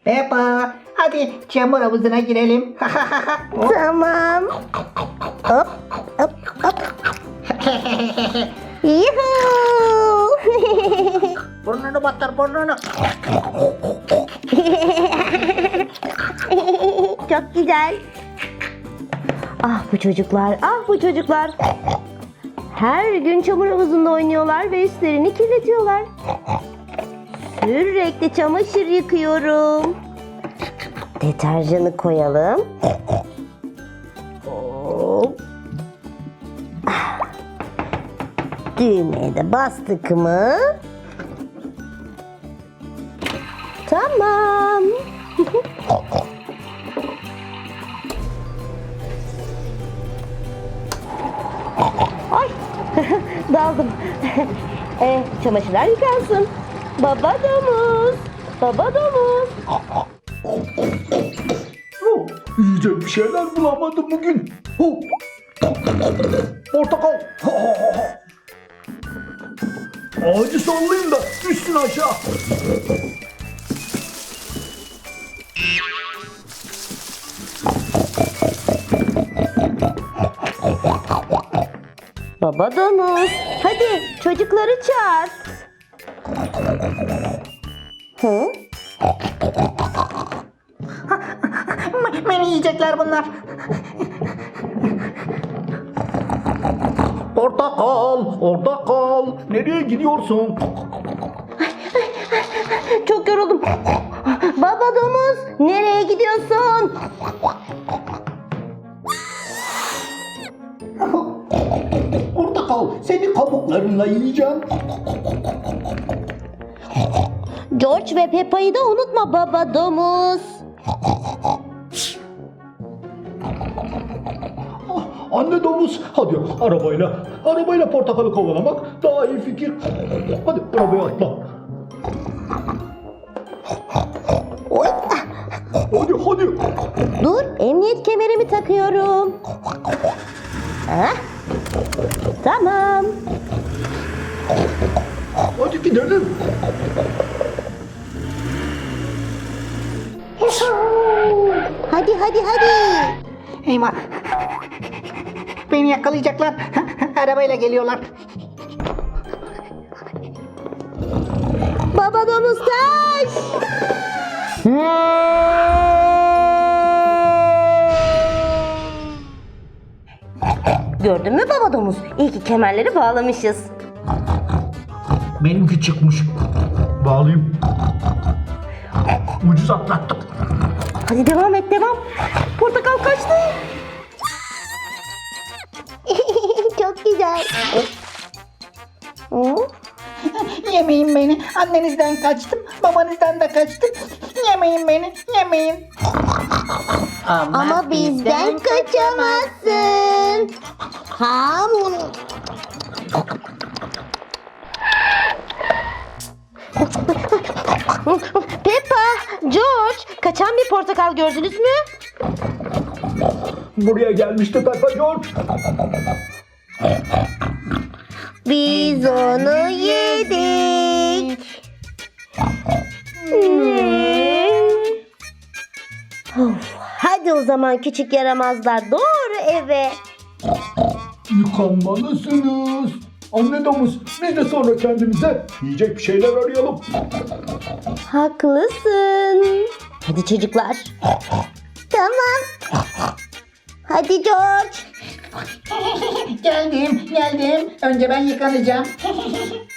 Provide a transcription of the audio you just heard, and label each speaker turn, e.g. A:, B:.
A: Peppa, hadi çamur havuzuna girelim.
B: Tamam. Hop hop hop. Yuhuu.
A: Burnunu batır, burnunu.
B: Çok güzel. Ah bu çocuklar, ah bu çocuklar. Her gün çamur havuzunda oynuyorlar ve üstlerini kirletiyorlar. Sürekli çamaşır yıkıyorum. Deterjanı koyalım. Hop. Düğmeye de bastık mı? Tamam. Ay, daldım. Çamaşırlar yıkansın. Baba domuz, baba domuz.
C: Yiyecek bir şeyler bulamadım bugün. Portakal. Ağacı sallayayım da düşsün aşağı.
B: Baba domuz, hadi çocukları çağır. Hı?
A: Beni yiyecekler bunlar.
C: Portakal, orada kal. Nereye gidiyorsun?
B: Çok yoruldum. Baba domuz, nereye gidiyorsun?
C: Portakal, seni kabuklarınla yiyeceğim.
B: George ve Peppa'yı da unutma baba domuz.
C: Anne domuz, hadi arabayla portakalı kovalamak daha iyi fikir. Hadi arabaya atla.
B: Oy,
C: Hadi.
B: dur, emniyet kemerimi takıyorum. Hah, tamam.
C: Hadi gidelim.
B: Hadi.
A: Eyvah. Beni yakalayacaklar. Arabayla geliyorlar.
B: Baba domuz kaç. Gördün mü baba domuz? İyi ki kemerleri bağlamışız.
C: Benimki çıkmış. Bağlayayım. Ucuz atlattık.
B: Hadi devam et. Portakal kaçtı. Çok güzel.
A: Yemeyin beni. Annenizden kaçtım. Babanızdan da kaçtım. Yemeyin beni. Yemeyin.
B: Ama bizden kaçamazsın. Ham. Peppa, George, kaçan bir portakal gördünüz mü?
C: Buraya gelmişti Peppa George.
B: Biz onu yedik. Hadi o zaman küçük yaramazlar doğru eve.
C: Yıkanmalısınız. Anne domuz, biz de sonra kendimize yiyecek bir şeyler arayalım.
B: Haklısın. Hadi çocuklar. Tamam. Hadi George.
A: Geldim. Önce ben yıkanacağım.